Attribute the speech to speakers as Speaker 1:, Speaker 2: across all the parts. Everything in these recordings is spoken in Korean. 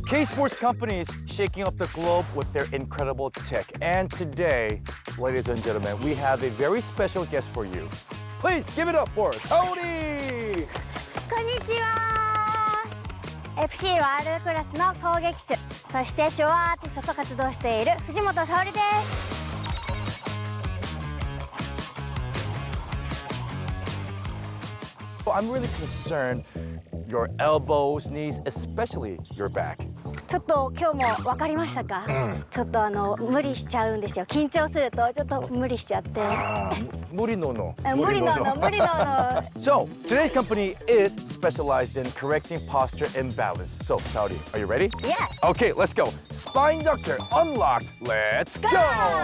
Speaker 1: K-Sports companies shaking up the globe with their incredible tech. And today, ladies and gentlemen, we have a very special guest for you. Please give it up for Saori!
Speaker 2: こんにちは FC ワールドクラスの攻撃手そしてショアアーティストと活動している藤本沙織です
Speaker 1: I'm really concerned your elbows, knees, especially your back.
Speaker 2: ちょっと今日も分かりましたか、ちょっと無理しちゃうんですよ緊張するとちょっと無理しちゃって
Speaker 1: 무리 노노.
Speaker 2: 無理のの無理のの
Speaker 1: So, today's company is specialized in correcting posture imbalance. So, Saudi, are you ready?
Speaker 2: Yes.
Speaker 1: Okay, let's go. Spine Doctor unlocked. Let's go!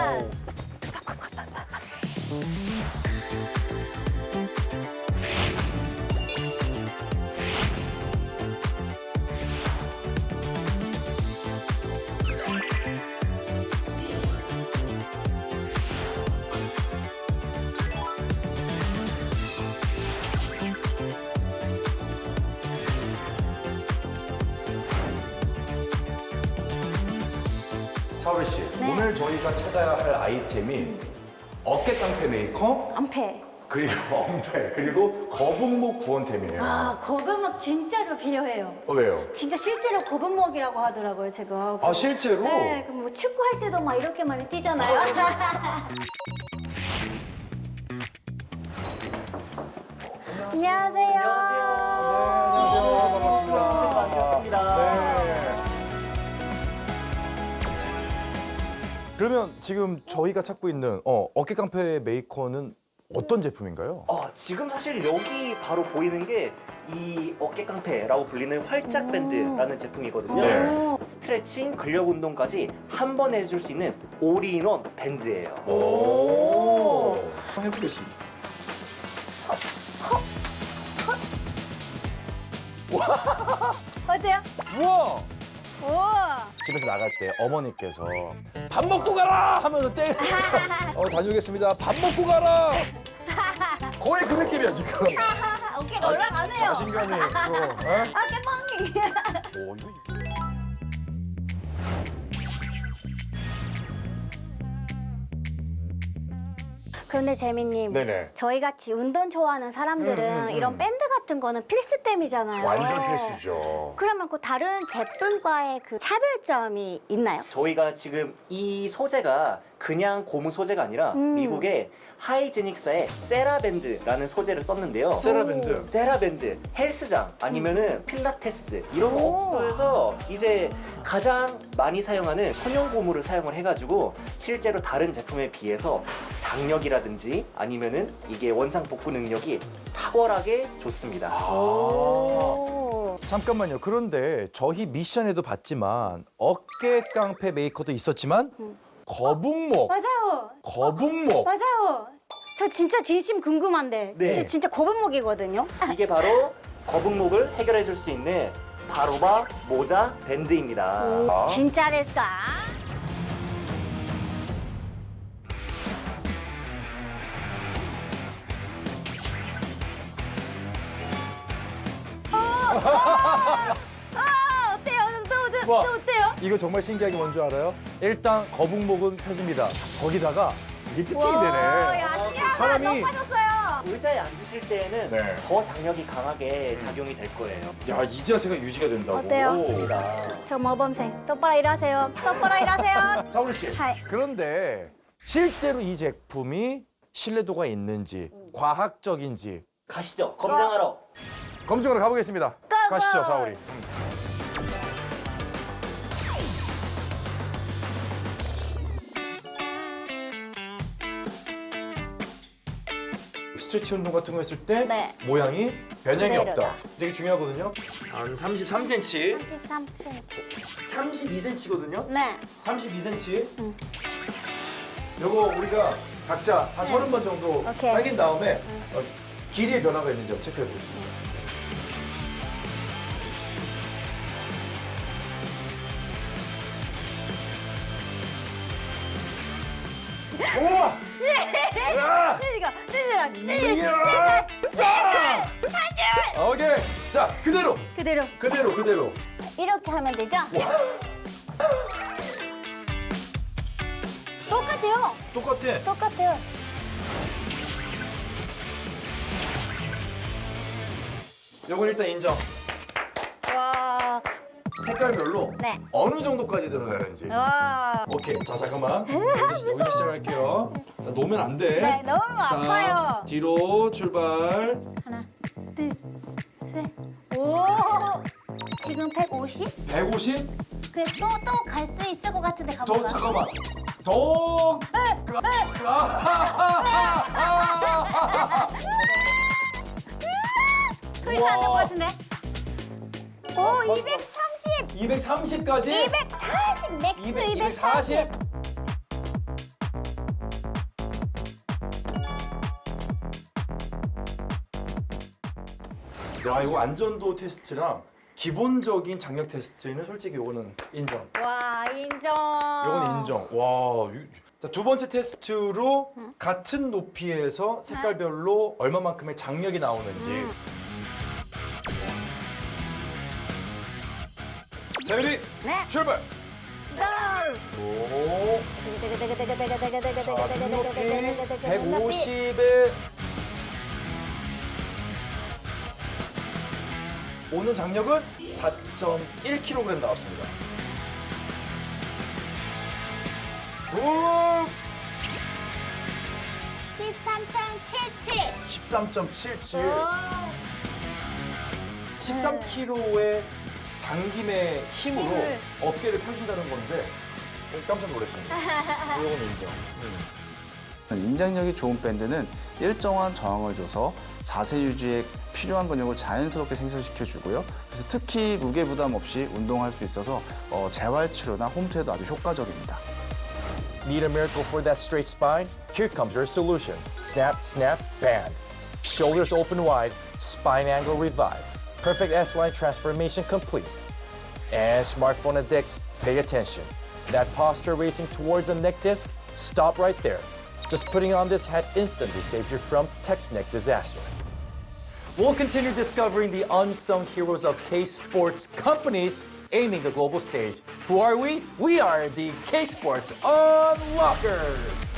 Speaker 1: 사우리 씨,
Speaker 2: 네.
Speaker 1: 오늘 저희가 찾아야 할 아이템이 어깨 깡패 메이커,
Speaker 2: 안패
Speaker 1: 그리고 엄폐, 그리고 거북목 구원템이에요.
Speaker 2: 아 거북목 진짜 저 필요해요
Speaker 1: 왜요?
Speaker 2: 진짜 실제로 거북목이라고 하더라고요 제가
Speaker 1: 아, 실제로?
Speaker 2: 네, 그럼 뭐 축구할 때도 막 이렇게 많이 뛰잖아요 안녕하세요.
Speaker 1: 반갑습니다. 네. 그러면 지금 저희가 찾고 있는 어깨 깡패 메이커는 어떤 제품인가요?
Speaker 3: 지금 사실 여기 바로 보이는 게 이 어깨 깡패라고 불리는 활짝 밴드라는 제품이거든요.
Speaker 1: 네.
Speaker 3: 스트레칭, 근력 운동까지 한 번에 해줄 수 있는 올인원 밴드예요.
Speaker 1: 오. 해보겠습니다.
Speaker 2: 어때요?
Speaker 1: 우와!
Speaker 2: 우와.
Speaker 1: 집에서 나갈 때 어머니께서 밥 먹고 가라 하면서 다녀오겠습니다. 밥 먹고 가라. 거의 그 느낌이야 지금.
Speaker 2: 어깨가 올라가네요.
Speaker 1: 자신감이 있고.
Speaker 2: 어깨 뻥이.
Speaker 1: 오, 이거.
Speaker 2: 그런데 재민님,
Speaker 1: 네네.
Speaker 2: 저희 같이 운동 좋아하는 사람들은 이런 밴드 같은 거는 필수템이잖아요.
Speaker 1: 완전 필수죠.
Speaker 2: 그러면 그 다른 제품과의 그 차별점이 있나요?
Speaker 3: 저희가 지금 이 소재가 그냥 고무 소재가 아니라 미국의 하이제닉사의 세라밴드라는 소재를 썼는데요.
Speaker 1: 세라밴드.
Speaker 3: 세라밴드, 헬스장 아니면은 필라테스 이런 업소에서 이제 가장 많이 사용하는 천연 고무를 사용을 해가지고 실제로 다른 제품에 비해서 장력이라든지 아니면은 이게 원상 복구 능력이 탁월하게 좋습니다.
Speaker 2: 오.
Speaker 1: 잠깐만요. 그런데 저희 미션에도 봤지만 어깨 깡패 메이커도 있었지만 거북목.
Speaker 2: 맞아요.
Speaker 1: 거북목.
Speaker 2: 맞아요. 저 진짜 진심 궁금한데.
Speaker 3: 네.
Speaker 2: 저 진짜 거북목이거든요.
Speaker 3: 이게 바로 거북목을 해결해 줄 수 있는 바로바 모자 밴드입니다.
Speaker 1: 아.
Speaker 2: 진짜 됐까? 어때요? 또
Speaker 1: 와.
Speaker 2: 어때요?
Speaker 1: 이거 정말 신기한 게 뭔지 알아요? 일단 거북목은 펴집니다. 거기다가 이게 피팅이 되네.
Speaker 2: 야,
Speaker 1: 사람이-
Speaker 2: 너무 빠졌어요.
Speaker 3: 의자에 앉으실 때에는
Speaker 1: 네.
Speaker 3: 더 장력이 강하게 작용이 될 거예요.
Speaker 1: 야, 이 자세가 유지가 된다고.
Speaker 2: 어때요?
Speaker 3: 맞습니다.
Speaker 2: 저 모범생 똑바로 일하세요. 똑바로 일하세요.
Speaker 1: 사우리 씨.
Speaker 2: 하이.
Speaker 1: 그런데 실제로 이 제품이 신뢰도가 있는지 과학적인지
Speaker 3: 가시죠. 검증하러.
Speaker 1: 검증하러 가보겠습니다.
Speaker 2: 고고!
Speaker 1: 가시죠, 사우리. 스트레치 운동 같은 거 했을 때
Speaker 2: 네.
Speaker 1: 모양이 변형이
Speaker 2: 그대로다.
Speaker 1: 없다. 되게 중요하거든요. 한 33cm,
Speaker 2: 33cm.
Speaker 1: 32cm거든요.
Speaker 2: 네.
Speaker 1: 32cm. 요거 우리가 각자 한 30번 정도
Speaker 2: 오케이.
Speaker 1: 당긴 다음에 길이의 변화가 있는지 한번 체크해 보겠습니다. 좋아! 야!
Speaker 2: 찌질아, 찌질아,
Speaker 1: 이야! 오케이. 자, 그대로.
Speaker 2: 그대로.
Speaker 1: 그대로.
Speaker 2: 이렇게 하면 되죠? 똑같아요.
Speaker 1: 똑같아.
Speaker 2: 똑같아요.
Speaker 1: 요건 일단 인정.
Speaker 2: 와.
Speaker 1: 색깔별로
Speaker 2: 네.
Speaker 1: 어느 정도까지 들어가는지.
Speaker 2: 와.
Speaker 1: 오케이. 자, 잠깐만. 여기서 시작할게요. 자, 놓으면 안 돼.
Speaker 2: 네, 너무
Speaker 1: 자,
Speaker 2: 아파요.
Speaker 1: 뒤로 출발.
Speaker 2: 하나, 둘, 셋. 오. 지금 150?
Speaker 1: 150?
Speaker 2: 그래 또 갈 수 있을 것 같은데
Speaker 1: 더
Speaker 2: 가볼까?
Speaker 1: 잠깐만. 더.
Speaker 2: 더 이상 안될 것 같은데? 오, 230!
Speaker 1: 230까지?
Speaker 2: 240! 맥스
Speaker 1: 240? 야, 이거 안전도 테스트랑 기본적인 장력 테스트는 솔직히 이거는 인정.
Speaker 2: 와, 인정.
Speaker 1: 이건 인정. 와. 자, 두 번째 테스트로 같은 높이에서 색깔별로 얼마만큼의 장력이 나오는지. 자, 유리
Speaker 2: 네.
Speaker 1: 출발.
Speaker 2: 고!
Speaker 1: 오. 자, 눈높이 150에 오는 장력은 4.1kg 나왔습니다. 오!
Speaker 2: 13.77.
Speaker 1: 13.77. 13kg의 당김의 힘으로
Speaker 2: 힘을.
Speaker 1: 어깨를 펴준다는 건데 깜짝 놀랐습니다. 이건 인정.
Speaker 4: 인장력이 좋은 밴드는 일정한 저항을 줘서 자세 유지에 필요한 근육을 자연스럽게 생성시켜주고요. 그래서 특히 무게 부담 없이 운동할 수 있어서 재활 치료나 홈트에도 아주 효과적입니다.
Speaker 1: Need a miracle for that straight spine? Here comes your solution. Snap, snap, band. Shoulders open wide, spine angle revive. Perfect S-line transformation complete. And smartphone addicts, pay attention. That posture racing towards a neck disc, stop right there. Just putting on this hat instantly saves you from text neck disaster. We'll continue discovering the unsung heroes of K-Sports companies aiming the global stage. Who are we? We are the K-Sports Unlockers!